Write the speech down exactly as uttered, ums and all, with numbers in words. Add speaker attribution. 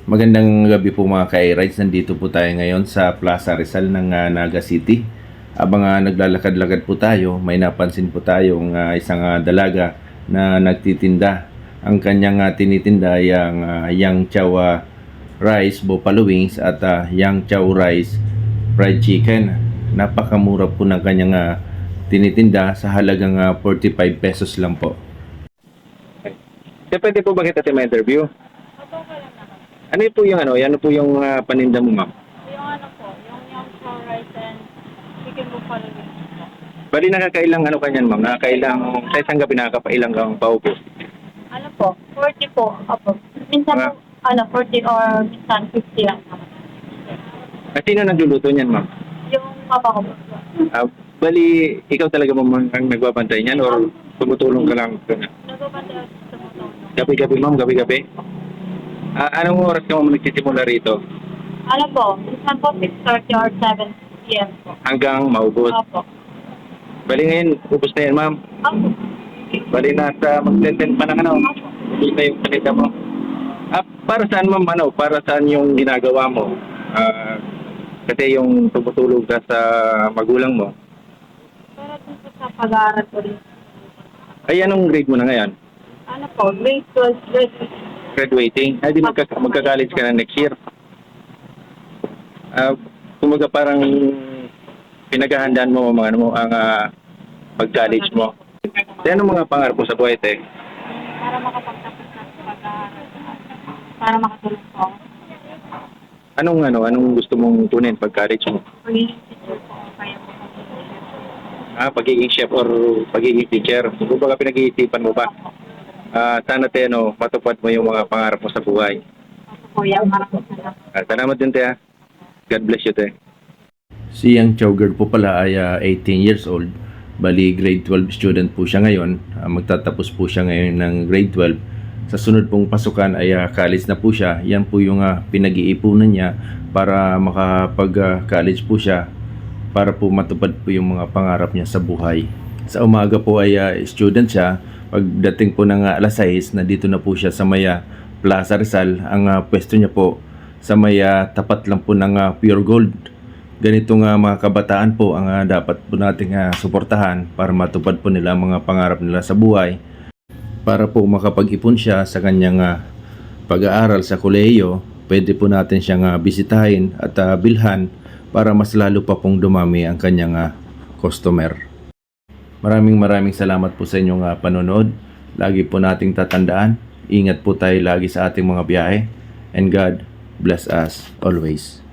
Speaker 1: Magandang gabi po mga ka-rides. Nandito po tayo ngayon sa Plaza Rizal ng uh, Naga City. Habang uh, naglalakad-lakad po tayo, may napansin po tayong uh, isang uh, dalaga na nagtitinda. Ang kanyang uh, tinitinda ay ang uh, Yang Chow uh, Rice Buffalo Wings at uh, Yang Chow Rice Fried Chicken. Napakamura po ng kanyang uh, tinitinda sa halagang uh, forty-five pesos lang po.
Speaker 2: Kaya pwede po ba kita ma-interview? Ano po yung ano, ano po yung uh, paninda mo, ma'am?
Speaker 3: Yung ano po, yung yung chow rice and chicken buffalo wings po.
Speaker 2: Bali nakakailang ano kanyan, ma'am? Nakakailang, sa isang gabi nakakapailang kang paupo.
Speaker 3: Ano po, forty po. Opo. Minsan
Speaker 2: Ah.
Speaker 3: po, ano, forty or minsan fifty lang naman.
Speaker 2: At sino nagluluto niyan, ma'am?
Speaker 3: Yung papa ko po.
Speaker 2: Uh, bali, ikaw talaga, ma'am, ang nagbabantay niyan or tumutulong ka lang?
Speaker 3: Nagpapantay ako sa tumutulong.
Speaker 2: Gabi-gabi, ma'am, gabi-gabi? Uh, anong oras ka, ma'am, nagsisimula rito?
Speaker 3: Ano po, minsan po six thirty or seven p m po.
Speaker 2: Hanggang maubos?
Speaker 3: Opo.
Speaker 2: Bali ngayon, ubos na yan, ma'am.
Speaker 3: Opo.
Speaker 2: Bali nasa mag-ten pa ng ano, ubos na yung paninda mo. Ah, para saan, ma'am, ano, para saan yung ginagawa mo? Ah, kasi yung tumutulong ka sa magulang mo.
Speaker 3: Pero dun po sa pag-aaral ko rin.
Speaker 2: Ay, anong grade mo na ngayon?
Speaker 3: Ano po, grade twelve, grade
Speaker 2: Graduating? Ay, di magka- magka-college ka na next year. Ah, kumaga parang pinaghahandaan mo mga ano mo ang ah, pag-college mo. Kaya anong mga pangarap mo sa buhay, te?
Speaker 3: para makapagtapos ng pag-aaral. Para makatulong po ako.
Speaker 2: Anong ano, anong gusto mong tunin pag-college mo?
Speaker 3: Pagiging teacher po, kaya po.
Speaker 2: Ah, pagiging chef or pagiging teacher. Kung baga pinag-iisipan mo ba? Ah, sana te, no, matupad mo yung mga pangarap mo sa buhay.
Speaker 3: Kuya, maraming salamat.
Speaker 2: Ah, salamat din, te. ah. God bless you, te.
Speaker 1: Si Yang Chow Girl po pala ay uh, eighteen years old. Bali grade twelve student po siya ngayon. Uh, magtatapos po siya ngayon ng grade twelve. Sa sunod pong pasukan ay uh, college na po siya. Yan po yung uh, pinag-iipunan niya para makapag-college po siya para po matupad po yung mga pangarap niya sa buhay. Sa umaga po ay uh, student siya. Pagdating po ng uh, alas sais, na dito na po siya sa Maya Plaza Rizal. Ang uh, pwesto niya po sa Maya tapat lang po ng uh, Pure Gold. Ganitong uh, mga kabataan po ang uh, dapat po nating uh, suportahan para matupad po nila ang mga pangarap nila sa buhay. Para po makapag-ipon siya sa kanyang uh, pag-aaral sa kolehiyo, pwede po natin siyang uh, bisitahin at uh, bilhan para mas lalo pa pong dumami ang kanyang uh, customer. Maraming maraming salamat po sa inyong uh, panonood. Lagi po nating tatandaan, ingat po tayo lagi sa ating mga biyahe. And God bless us always.